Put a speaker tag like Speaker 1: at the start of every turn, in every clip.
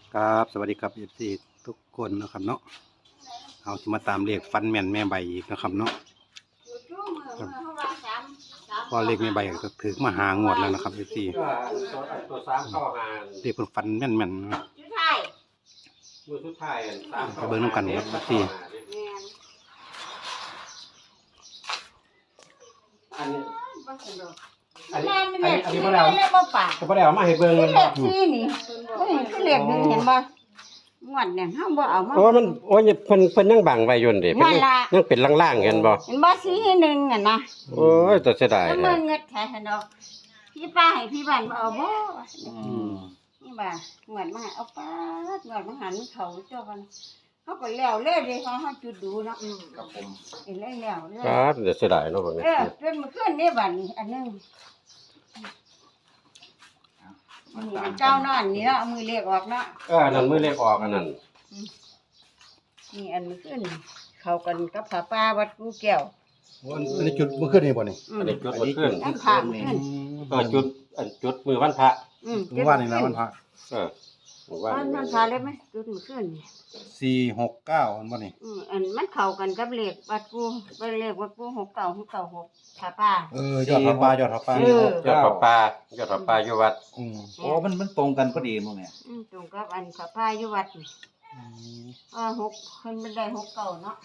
Speaker 1: ครับสวัสดีครับFCทุกคนนะครับเนาะเอาที่มาตามเลขฟันแม่นแม่ใบอีกนะครับเนาะพอเลขแม่ใบก็ถึงมาหางวดแล้วนะครับ FC
Speaker 2: ตัวสามเข้าหา
Speaker 1: เลขคนฟันแม่นๆนะ
Speaker 2: มือสุดท้ายสาม
Speaker 1: ไปเบิ่งนำกันครับ FC
Speaker 2: อันนี้
Speaker 3: อันนี้อันนี้
Speaker 2: บ่ได้เอามาให้เบิ่ง
Speaker 3: เลขที่นี่คือเลขหนึ่งเห็นบ่งวดเนี่ยเฮาบ่เอามา
Speaker 2: โอ้มันโอ้ยเพิ่นยังบังไว้อยู่นี่เพิ่น
Speaker 3: นั่นล่ะ
Speaker 2: ยังเป็นล่างๆเห็นบ่
Speaker 3: เห็นบ่สีหนึ่งอ่ะนะ
Speaker 2: โอ้ยตัวเสียดาย
Speaker 3: แล้ว
Speaker 2: แท้
Speaker 3: มึงเงิดแท้ดอกพี่ป้าให้พี่บ้านบ่เอาบ่นี่บ่างวดมาเอาป้างวดมาหันเขาเจ้ากันเขาก็แล้วเลยเด้เขาจุดดูเนาะ
Speaker 4: ครับผม
Speaker 3: เห็นแล้วเลย
Speaker 2: ครับเดี๋ยวเสียดายเนาะพวกนี้
Speaker 3: เป็นเมื่อคืนนี่บัดนี้อันนึงอันนี้เจ้านอนนี่เนาะเอามือเรียกออกเนาะ
Speaker 2: นั่นมือเลขออกอันนั้น
Speaker 3: นี่อันเมื่อคืนเข้ากันกับผ้าป่าวัดกูแก้ว
Speaker 1: อันนี้จุดเมื่อคืนนี่บ่นี่
Speaker 2: อันนี้จุดเมื่อคืน
Speaker 3: น้ำผ่านขึ้น
Speaker 2: จุดมือวันพระ
Speaker 1: เมื่อวานนี่นะวันพระ
Speaker 2: มือวัน
Speaker 3: มันพาเลยไหมจุดเมื่อคืนนี่
Speaker 1: 469อันบ่นี่
Speaker 3: อันมันเข้ากันกับเลขวัดกูเลขวัดกู69 696ผ้าป่าย
Speaker 1: อดพระป่ายอดพระป่าย
Speaker 2: ยอดพระป่ายอดพระป่าอยู่วัด
Speaker 4: โอ้มันตรงกันพอดีมั้งเนี่ย
Speaker 3: ตรงกับอันผ้าป่าอยู่วัดนี่6เพิ่นมันได้69เนาะ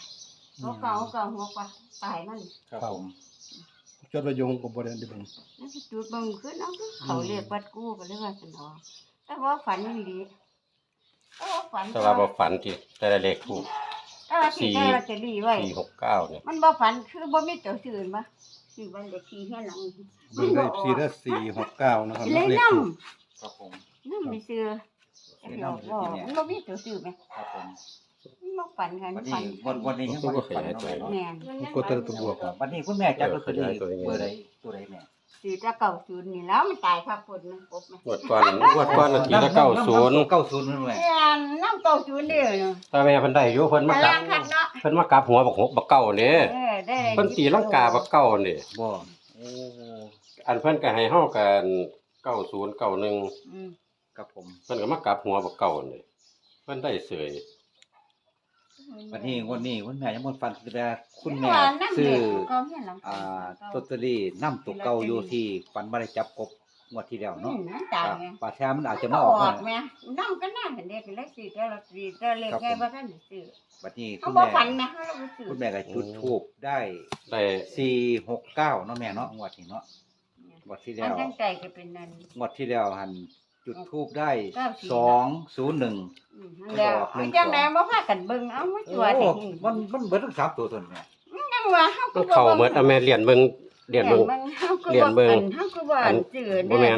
Speaker 3: 69 ป่ะตายมัน
Speaker 4: ครับผม
Speaker 1: จดไว้อยู่ก็บ่ได้เบิ่ง
Speaker 3: นั่นสิจุดเบิ่งขึ้นเอาคือเขาเลขวัดกูก็เลยว่าซั่นเนาะแต่ว่าฝันอีหลีฝัน
Speaker 2: แต่ว่าบ่ฝันที่แต่ละเลขถูก
Speaker 3: ที่ได้ลอตเตอรี่ไว้
Speaker 2: 469เนี่ย
Speaker 3: มันบ่ฝันคือบ่มีตัวอื่นบ่คือบ้านเลขที่เฮียนหลัง
Speaker 1: เบิ่งได้ FC เด้อ469นะครับ
Speaker 3: เลย
Speaker 1: เลข
Speaker 3: นำ
Speaker 1: ถูก
Speaker 4: ครับผม
Speaker 3: นำไปซื้อมันบ่มีตัวอื่นไหม
Speaker 4: ครับผม
Speaker 3: มันบ่ฝันกัน
Speaker 4: วัน
Speaker 3: ฝั
Speaker 4: นี้
Speaker 3: น
Speaker 4: วันนี้ยังไม่ได้ฝันเนาะแม่เนาะ
Speaker 3: แม่น
Speaker 1: กดตัวบวก
Speaker 4: วันนี้คุณแม่จับลอตเตอรี่เบอร์ใดตัวใดแม่
Speaker 3: ซื้อตะ90นี่แล้วมันตายคักพุ่นมันกบมัน
Speaker 2: งวดก่อนนาทีละ90
Speaker 4: 90นั่นแม่
Speaker 3: แม่นนำ90เด้อเนาะ
Speaker 2: แต่แม่เพิ่นได้อยู่เพิ่นมา
Speaker 3: แต่
Speaker 2: กลั
Speaker 3: ล่า
Speaker 2: บ
Speaker 3: งคักเนาะ
Speaker 2: เพิ่นมากลับหัวบักหกบักเก้านี่
Speaker 3: ได้
Speaker 2: เพิ่นตีลังกาบักเก้านี่
Speaker 4: บ่โอ้
Speaker 2: อันเพิ่นก็ให้เฮากัน90 91
Speaker 4: ครับผม
Speaker 2: เพิ่นก็มากลับหัวบักเก้านี่เพิ่นได้เสย
Speaker 4: วันนี้คุณแม่ยังบ่ฝันแต่คุณแม่
Speaker 3: ซื้
Speaker 4: ซื้
Speaker 3: อ
Speaker 4: อ
Speaker 3: ล
Speaker 4: ลอตเตอรี่นำตัวเก่าอยู่ที่ฝันบ่ได้จับกบงวดที่แล้วเนาะ
Speaker 3: ตายไง
Speaker 4: ป่าช้ามันอาจจะ
Speaker 3: มา
Speaker 4: มา
Speaker 3: อ
Speaker 4: อ
Speaker 3: อ
Speaker 4: อก ก
Speaker 3: แม่น้ำก็น่าเห็นเด็กเลยสิแต่เราสิแต่เล็กไงว่าท่านซื้อ
Speaker 4: บัดนี้
Speaker 3: เขา
Speaker 4: คุณ
Speaker 3: บ่
Speaker 4: แม่
Speaker 3: ฝันนะเขาเราซื้อ
Speaker 4: คุณแม่ก็จุดธูปได้
Speaker 2: ได้
Speaker 4: 469เนาะแม่เนาะงวดนี้เนาะงวดที่
Speaker 3: อั
Speaker 4: แล้
Speaker 3: น
Speaker 4: ว
Speaker 3: ตั้งใจก็เป็นนั่น
Speaker 4: งวดที่แล้วหันจุดทูบได้ 201
Speaker 3: แล้วจังได๋บ่พากันเบิ่งเอามาจัว
Speaker 4: โอ้
Speaker 3: สิ
Speaker 4: มันเบิดทั้ง3ตัวตนเนี่ย
Speaker 3: จังว่าเฮา
Speaker 2: มันเข้าหมดเอาแม่เรียนเบิ่งเรียนเบิ่ง
Speaker 3: เรียนเบิ่งเฮาคือว่าซื้อ
Speaker 2: บ่แม่น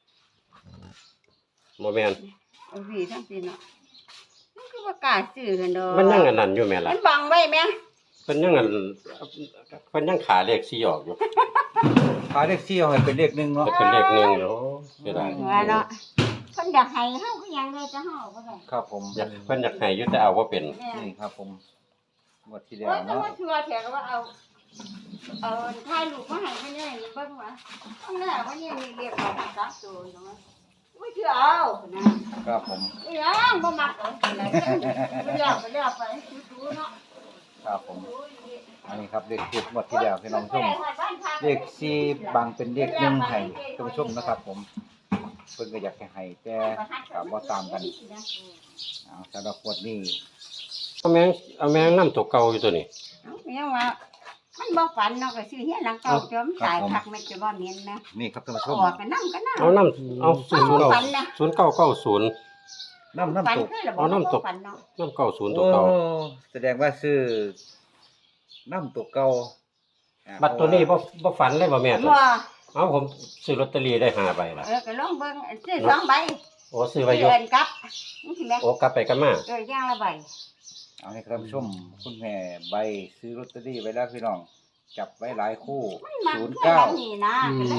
Speaker 2: บ่แม่น
Speaker 3: เอาพี่ทั้งพี่เนาะมันคือว่ากล้าซื้อกันดอก
Speaker 2: มันยังอันนั้นอยู่แม่ล่ะ
Speaker 3: มันบังไว้แม่
Speaker 2: เพิ่นยังอันเพิ่นยังขาเลข4ออกอยู่
Speaker 4: พาเลข4เอาให้เป็นเลข1เนาะ
Speaker 2: เป็นเลข1อยู่เสียดาย
Speaker 3: ว่าเนาะเพิ่นอยากให้เฮาคือหยังเลยจะเฮาบ่ได้
Speaker 4: ครับผม
Speaker 2: อยากเพิ่นอยากให้อยู่แต่เอาบ่เป็น
Speaker 3: แม่
Speaker 4: นี่ครับผมงวดที่แล้ว
Speaker 3: โอ้ยแต่
Speaker 4: เนาะ
Speaker 3: ว่าชัวร์แท้ก็ว่าเอาถ่ายรูปมาให้เพิ่นได้เบิ่งว่าข้างหน้าว่าเนี่ยมีเรียกเอาซักตัวเนาะไม่เชื่อเอานะครับ
Speaker 4: ผม
Speaker 3: อีหยังบ่มักเอาสิไหนไปเลี้ยวไปดูเนาะ
Speaker 4: ครับผมอันนี้ครับเลขทูบงวดที่แล้วพี่น้องชมเลข4บางเป็นเลข1ให้ท่านผู้ชมนะครับ ผมเพิ่นก็อยากให้ให้แต่ก็บ่ตามกันสำหรับงวดนี้
Speaker 2: เอาแม่งนำตัวเก่าอยู่ตัวนี้
Speaker 3: เอายังว่ามันบ่ฝันเนาะก็ซื้อเฮียหลังเก่าจอมตายคักแม่จะบ่เหม็นนะ
Speaker 4: นี่ครับท่านผู้ชม
Speaker 3: ออกกันนำกันนะ
Speaker 2: เอานำเอา
Speaker 3: ฝันนะ
Speaker 2: 0990
Speaker 4: น้ำ
Speaker 3: ฝัน
Speaker 4: ตก
Speaker 3: คือระบ่ฝันเนาะ
Speaker 2: นำ90ตัวเก่า
Speaker 4: โอ้แสดงว่าซื้อน้ำตกเก่า
Speaker 2: บัตรตัวนี้บ่ฝันเลยบ่แม่ตัว
Speaker 3: บ่
Speaker 2: เอาผมซื้อลอตเตอรี่ได้5ใบล่ะ
Speaker 3: ก็ลองเบิ่งซื้อ2ใบ
Speaker 2: โอ้ซื้อไว้อยู่
Speaker 3: เอิ้นกลับนี่สิแม่
Speaker 2: โอ้กลับไปกันมา
Speaker 3: อย่างละใบ
Speaker 4: เอาให้ท่านผู้ชมคุณแม่ใบซื้อลอตเตอรี่ไว้แล้วพี่น้องจับไว้หลายคู่
Speaker 3: มันแค่นี้นะ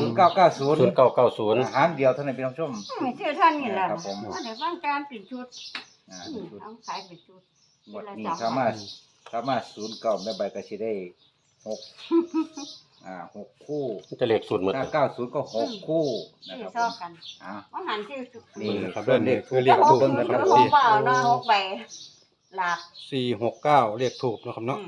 Speaker 4: 0990
Speaker 2: 0990
Speaker 4: หางเดียวเท่านั้นพี่น้องชม
Speaker 3: ชื่อท่านนี่แหละ
Speaker 4: ครับผม
Speaker 3: ว่าเดี๋ยวฟังการปิดชุด
Speaker 4: ชุด
Speaker 3: เอาขายปิดชุด
Speaker 4: หมดนี้สามารถ09แม่ใบก็สิได้6 6 คู่
Speaker 2: มันจะเลขศูนย์หมด
Speaker 4: ถ้า90ก็6คู่นะ
Speaker 3: ชื่
Speaker 4: ค
Speaker 3: อ
Speaker 4: รับ
Speaker 3: ซ
Speaker 4: ผ
Speaker 3: อ
Speaker 4: ม
Speaker 3: กัน
Speaker 4: อ่า
Speaker 3: ว่าหันชื่อสุ
Speaker 4: นี่
Speaker 1: นี่ครับเด้อนี่คือเลข
Speaker 3: ห
Speaker 1: ทู
Speaker 3: ก
Speaker 1: บนะครับ
Speaker 3: หกเปล่าเนาะ6ใบหลัก
Speaker 1: 469เลขทูบนะครับเนาะ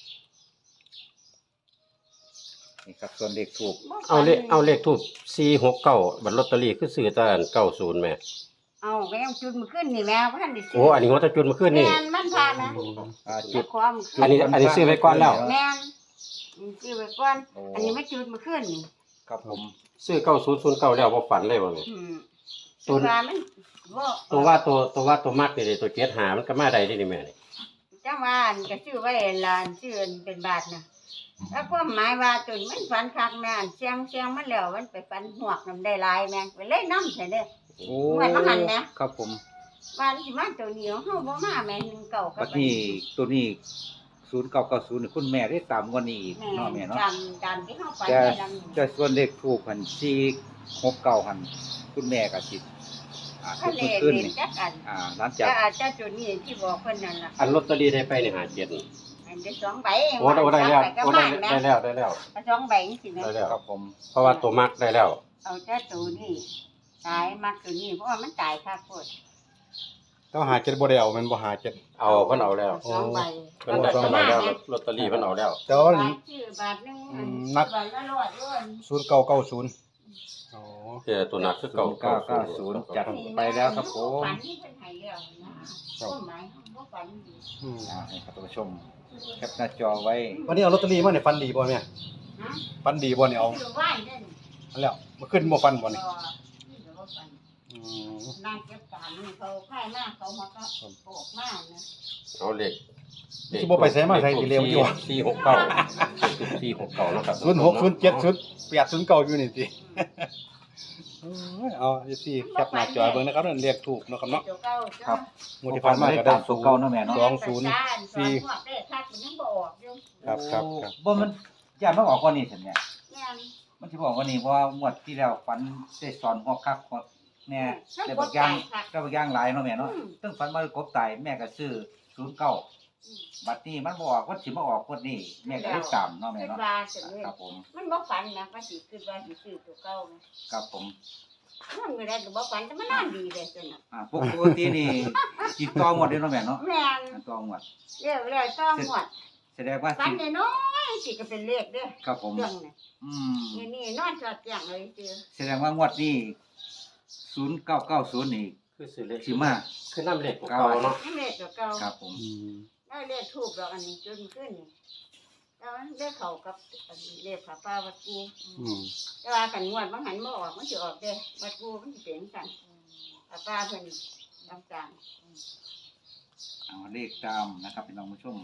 Speaker 4: นี่ครับส่วนเลขถูก
Speaker 2: เอาเลขทูบ469บัตรลอตเตอรี่คือซื้อตอน90แม่
Speaker 3: เอาก็ยังจุดมันขึ้นนี่แม่ว่าท่านได้ซื้
Speaker 2: โอ้อันนี้ว่าจะจุดมาขึ้นนี่
Speaker 3: แม่นมันผ่านนะ
Speaker 4: จุ
Speaker 3: จุ
Speaker 4: ด
Speaker 3: ดความ
Speaker 2: อันนี้ซื้อไว้ก่อนแล้ว
Speaker 3: แม่นซื้อไว้ก่อนอันนี้ไม่จุดมันขึ้นนี่
Speaker 4: ครับผม
Speaker 2: ซื้อ9009แล้วบ่ฝันเลยบ่แม่
Speaker 3: อืม
Speaker 2: ตัว
Speaker 3: ว่ามันบ่
Speaker 2: ตัวมักนี่ตัวเจ็ดหามันก็มาได้นี่แม่นี่
Speaker 3: จังว่าอันก็ซื้อไว้ลานซื้ออันเป็นบาทนะแล้วความหมายว่าตัวนี้มันฝันคักแม่นเสียงมันแล้วมันไปฝันหวกนำได้หลายแม่งไปเลยนำใช่เด้อ
Speaker 4: โอ้
Speaker 3: เหมือนมาหันนะ
Speaker 4: ครับผม
Speaker 3: ว่าสิมาตัวนี้เฮาบ่มาแม่น1เก่ากั
Speaker 4: บัดนี้ตัวนี้0990นี่คุณแม่ได้ตามงวดนี้อีกเนาะแม่เนาะ
Speaker 3: จำที่เฮาฝัน
Speaker 4: แต่
Speaker 3: ได้ลำ
Speaker 4: แต่ส่วนเลขถูกหัน469หันคุณแม่ก็สิทุ
Speaker 3: ทะ
Speaker 4: ก
Speaker 3: เล
Speaker 4: ขึ้น
Speaker 3: เด่น
Speaker 4: นี่
Speaker 3: จักอัน
Speaker 4: หลัง
Speaker 3: จ้า
Speaker 4: จาก
Speaker 3: ตัวนี้ที่บอกเพิ่นนั่นล่ะ
Speaker 2: อันลอตเตอรี่ได้ไปนี่หา7นี่
Speaker 3: อันได้2ใบ
Speaker 2: โอ้ได้แล้ว
Speaker 3: ก็
Speaker 2: โอ้
Speaker 3: มา
Speaker 2: ได้แล้วได้แล้ว
Speaker 3: 2ใบจังซี่แม่
Speaker 2: ได้แล้ว
Speaker 4: ครับผม
Speaker 2: เพราะว่าตัวมักได้แล้ว
Speaker 3: เอาแต่ตัวนี้ตายมักตัวนี้เพราะว่ามันตายคักโพด
Speaker 1: ต้องหาเจ็ดบ่ได้เอามันบ่หาเจ็ด
Speaker 2: เอาเพิ่นเอาแล้ว
Speaker 3: 2ใบ
Speaker 2: เพิ่นได้เพิ่นเอาแล้วลอตเตอรี่เพิ่นเอาแล้ว
Speaker 1: แต่ว่า
Speaker 3: บาทชื่อบาทนึง
Speaker 1: นัก
Speaker 3: บาทละร้อยด้วย
Speaker 1: 0990อ๋อ
Speaker 2: ตัวหนักคือเก่า
Speaker 4: 0990จัดไปแล้วครับผม
Speaker 3: ฝันที่เพิ่นให้แล้วนะความหมายบ่ฝันดี
Speaker 1: อืม
Speaker 4: ให้ครับท่านผู้ชมแคปหน้าจอไว้
Speaker 1: วันนี้เอาลอตเตอรี่มาเนี่ยฟันดีบ่แม่
Speaker 3: ฮะ
Speaker 1: ฟันดีบ่เนี่ยเอา
Speaker 3: คือว่านเด้อ
Speaker 1: อันแล้วมาขึ้นบ่ฟันบ่เนี่ย
Speaker 3: นี่ก็บ่ฝัน
Speaker 1: อืม
Speaker 3: นั่งเก็บการนี่เขาค่ายมากเขามาก็โปกมากนะ
Speaker 2: เอาเลข
Speaker 1: สิบ่ไปไสมาไสสิเร็วอยู่
Speaker 2: 469แล้วครับ
Speaker 1: 06070809อยู่นี่ติเอาสิแคปหน้าจอเบิ่งนะครับนั่นเรียกถูกเนาะครับเนาะ
Speaker 3: ตัวเก่า
Speaker 4: ครับ
Speaker 1: งวดที่ผ่านมาก็ได้
Speaker 4: ตัวเก่าเนาะแม่เนาะ
Speaker 1: 204
Speaker 3: คักมันยังบ่ออกอยู่
Speaker 1: ครับครับ
Speaker 4: บ่มันอย่ามาออกกว่านี้ซั่นแหม่
Speaker 3: แม่น
Speaker 4: มันสิบอกว่านี่เพราะว่างวดที่แล้วฝันได้สอนหัวคักหัวแน่ได้บางอย่างก็บางอย่างหลายเนาะแม่เนาะตึ้งฝันว่ากบตายแม่ก็ซื้อ09บัดนี้มันบ่ออกวันสิมาออกงวดนี้แม่ก็ได้ตามเนาะแม่
Speaker 3: คิด
Speaker 4: เนาะ
Speaker 3: ว่าสิเลย
Speaker 4: ครับผม
Speaker 3: มันบ่ฝันนะว่าสิคิดว่าสิซื้อตัวเก่านะครับ
Speaker 4: ผม
Speaker 3: มันไม่ได้ก็บ่ฝันแต่มันน่าดีเลยจังน่ะ
Speaker 4: ปกตินี่จิตต่อหมดเด้เนาะแม่เนาะ
Speaker 3: แม่น
Speaker 4: ต่อหมด
Speaker 3: เรียกเลยต้องหมด
Speaker 4: แสดงว่า
Speaker 3: ฝัน
Speaker 4: สิ
Speaker 3: น้อยๆสิก็เป็นเลขเด้อ
Speaker 4: ครับผม
Speaker 3: เรื่องน่ะ
Speaker 4: อืม
Speaker 3: นี่นอนจอดอย่างเลยจือ
Speaker 4: แสดงว่างวดนี้0990นี่
Speaker 2: คือซื้อเลข
Speaker 4: สิมา
Speaker 2: คือน้ำเลขเก่าเนาะ
Speaker 3: นี่เลขตัวเก่า
Speaker 4: ครับผม
Speaker 1: อืม
Speaker 3: ได้เลขถูกดอกอันนี้จนขึ้นนี่แล้วมันได้เข้ากับอันเลขผาป้าวัดกู
Speaker 1: อืม
Speaker 3: แต่ว่ากันงวดบางหันบ่ออกมันสิออกเด้วัดกูมันสิเป็นกันผาป้าเพิ่นทำการ
Speaker 4: เอาเลขตามนะครับพี่น้องผู้ชม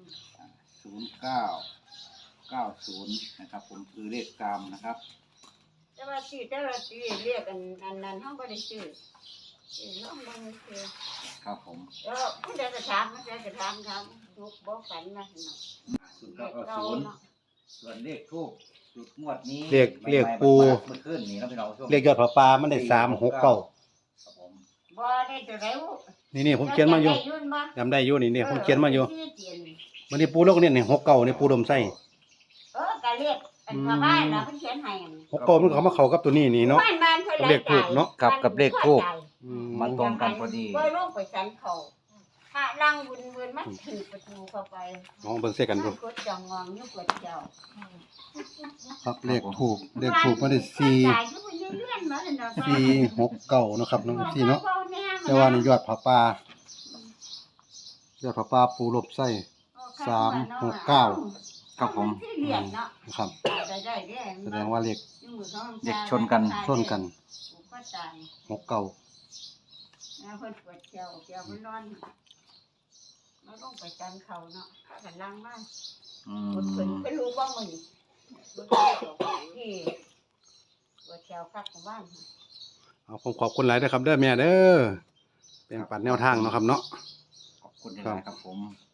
Speaker 4: 0990นะครับผมคือเลขตามนะครับ
Speaker 3: แต่ว่าซื้อเรียกอันนั้นเฮาบ่ได้ซื้อน้องบ่ได้ซื้อ
Speaker 4: ครับผม
Speaker 3: แล้วผู้ใดก็ถามผู้ใดก็ถามทุกบ่ฝันนะเนาะเลขเก่าเนาะ
Speaker 4: ส่วนเลขทูบจุดงวดนี้
Speaker 1: เรียกปู
Speaker 4: เมื่อคืนนี้นะพี่น้องผู้ชม
Speaker 1: เรียกยอดผาปลามันได้369
Speaker 4: ครับผม
Speaker 3: บ่ได้ตัวใด
Speaker 1: นี่ผมเขียนมาอยู่
Speaker 3: ได้นบ่
Speaker 1: จำได้อยู่นี่ผมเขียนมาอยู่
Speaker 3: ที่เขียน
Speaker 1: วันนี้ปูโลกเนี่ยนี่69นี่ปูดมไส้
Speaker 3: ก็เรียกอันชาวบ้านน่ะเพิ่นเขียนให้อันนี้
Speaker 1: 69มันเขามาเข้ากับตัวนี้นี่เนาะ
Speaker 3: บ้านเพิ่น
Speaker 1: เลขทูปเนาะ
Speaker 4: ครับกับเลขทูบ
Speaker 1: อืม
Speaker 4: มันตรงกันพอดี
Speaker 3: บ่ลงไปสันเขาถ้าลังบุญมันถึงประตูเข้าไป
Speaker 1: น้องเบิ่งใส่กันดู
Speaker 3: กดจองงองอยู่กดเจ้า
Speaker 1: ครับเลขถูกมันได้469นะครับน้องพี่เนาะแต่ว่านี่ยอดผาปลายอดผาปลาปูลบไส้ 369
Speaker 4: ครับผม
Speaker 3: ที่เรียนเนาะ
Speaker 1: นะครับ
Speaker 3: ได้ได้เด้
Speaker 1: แสดงว่าเลข
Speaker 4: เด็กชนกัน
Speaker 3: ก็ตาย
Speaker 1: 69
Speaker 3: นะเพิ่นปวดเจ้ามันนอนมาลงไปจันเขาเนาะกันล่างบ้าน
Speaker 4: อื
Speaker 3: ปวดเพิ่น
Speaker 4: ม
Speaker 3: เพิ่นรู้บ่มื้อนี้ปวดที่ปวดเจ้าคักของบ้าน
Speaker 1: เอาผมขอบคุณหลายเด้อครับเด้อแม่เด้อเป็นปัดแนวทางเนาะครับเนาะ
Speaker 4: ขอบคุณนะครับผม